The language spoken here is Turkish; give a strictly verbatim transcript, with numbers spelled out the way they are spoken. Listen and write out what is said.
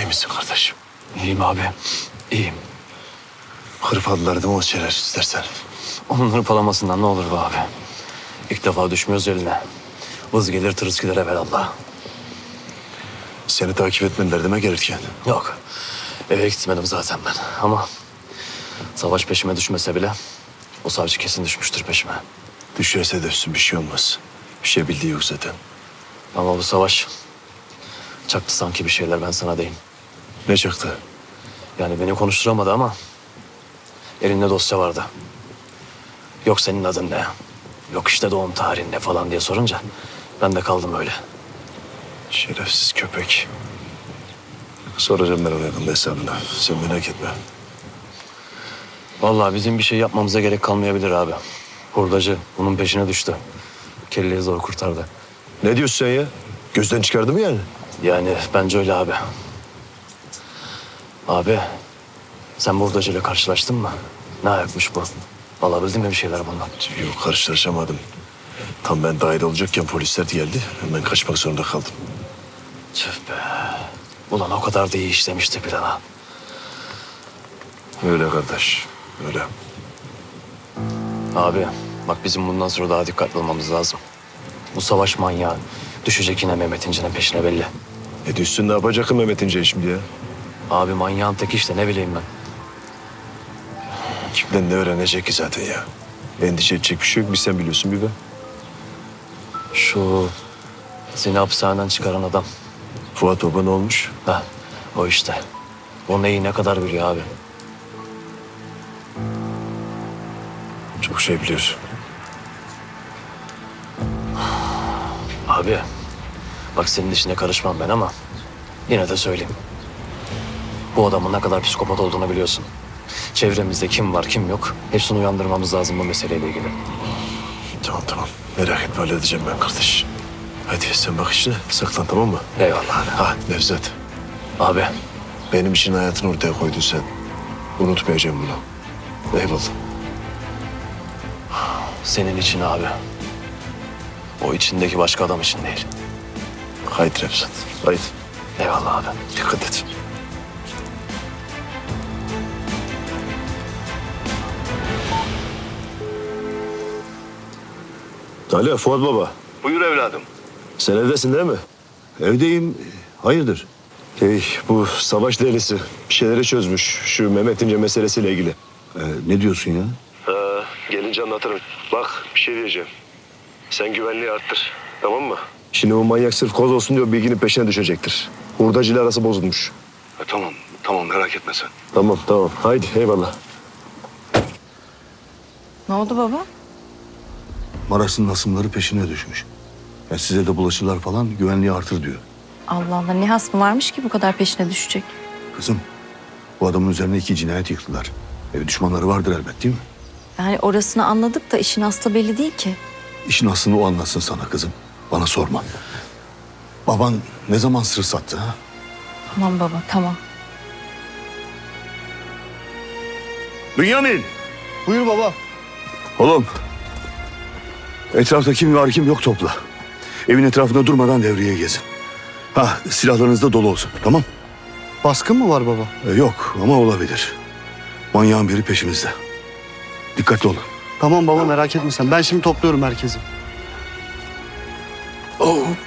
İyi misin kardeşim? İyiyim abi. İyiyim. Hırpaladılar değil mi o şerefsiz istersen? Onun hırpalamasından ne olur be abi. İlk defa düşmüyoruz eline. Vız gelir tırıs gider evvelallah. Seni takip etmediler deme gelirken. Yok. Eve gitmedim zaten ben. Ama Savaş peşime düşmese bile o savcı kesin düşmüştür peşime. Düşerse düşsün bir şey olmaz. Bir şey bildiği yok zaten. Ama bu Savaş çaktı sanki bir şeyler, ben sana diyeyim. Ne çaktı? Yani beni konuşturamadı ama elinde dosya vardı. Yok senin adın ne? Yok işte doğum tarihin ne falan diye sorunca ben de kaldım öyle. Şerefsiz köpek. Soracağım ben ona yakında hesabını. Sen merak etme. Vallahi bizim bir şey yapmamıza gerek kalmayabilir abi. Hurdacı bunun peşine düştü. Kelleyi zor kurtardı. Ne diyorsun sen ya? Gözden çıkardı mı yani? Yani bence öyle abi. Abi sen bu hurdacıyla karşılaştın mı? Ne ayakmış bu? Alabildin mi bir şeyler bundan? Yok karşılaşamadım. Tam ben dahil olacakken polisler geldi. Hemen kaçmak zorunda kaldım. Tüh be. Ulan o kadar da iyi işlemişti plana. Öyle kardeş. Öyle. Abi bak bizim bundan sonra daha dikkatli olmamız lazım. Bu Savaş manyağı düşecek yine Mehmet İnce'nin peşine belli. E düşsün ne yapacak ki Mehmet İnce şimdi ya? Abi manyağın tek işte, ne bileyim ben. Kimden ne öğrenecek ki zaten ya? Endişe edecek bir şey yok. Bir sen biliyorsun bir ben. Şu seni hapishaneden çıkaran adam. Fuat Baba ne olmuş? Heh, o işte. O neyi ne kadar biliyor abi. Çok şey biliyor. Abi bak senin işine karışmam ben ama yine de söyleyeyim. Bu adamın ne kadar psikopat olduğunu biliyorsun. Çevremizde kim var kim yok hepsini uyandırmamız lazım bu meseleyle ilgili. Tamam tamam. Merak etme halledeceğim ben kardeş. Hadi sen bak işine. Saklan tamam mı? Eyvallah abi. Ha Nevzat. Abi Benim için hayatını ortaya koydun sen. Unutmayacağım bunu. Eyvallah. senin için abi. O içindeki başka adam için değil. Haydi Nevzat. Haydi. Eyvallah abi. Dikkat et. Alo Fuat Baba. Buyur evladım. Sen evdesin değil mi? Evdeyim. Hayırdır? Hey, bu savaş delisi bir şeyleri çözmüş. Şu Mehmet İnce meselesiyle ilgili. Ee, ne diyorsun ya? Ee, gelince anlatırım. Bak bir şey diyeceğim. Sen güvenliği arttır. Tamam mı? Şimdi bu manyak sırf koz olsun diyor bilginin peşine düşecektir. Hurdacıyla arası bozulmuş. E, tamam, tamam merak etme sen. Tamam tamam. Haydi eyvallah. Ne oldu baba? Maraş'ın hasımları peşine düşmüş. Ya size de bulaşırlar falan güvenliği artır diyor. Allah Allah, ne hasmı varmış ki bu kadar peşine düşecek? Kızım bu adamın üzerine iki cinayet yıktılar. E, düşmanları vardır elbet değil mi? Yani orasını anladık da işin aslı belli değil ki. İşin aslını o anlatsın sana kızım. Bana sorma. Baban ne zaman sır sattı ha? Tamam baba, tamam. Bünyamin! Buyur baba. Oğlum. Etrafta kim var kim yok topla. Evin etrafında durmadan devreye gezin. Ha silahlarınız da dolu olsun tamam? Baskın mı var baba? E, yok ama olabilir. Manyağın biri peşimizde. Dikkatli olun. Tamam baba, merak etme sen. Ben şimdi topluyorum herkesi. Oh.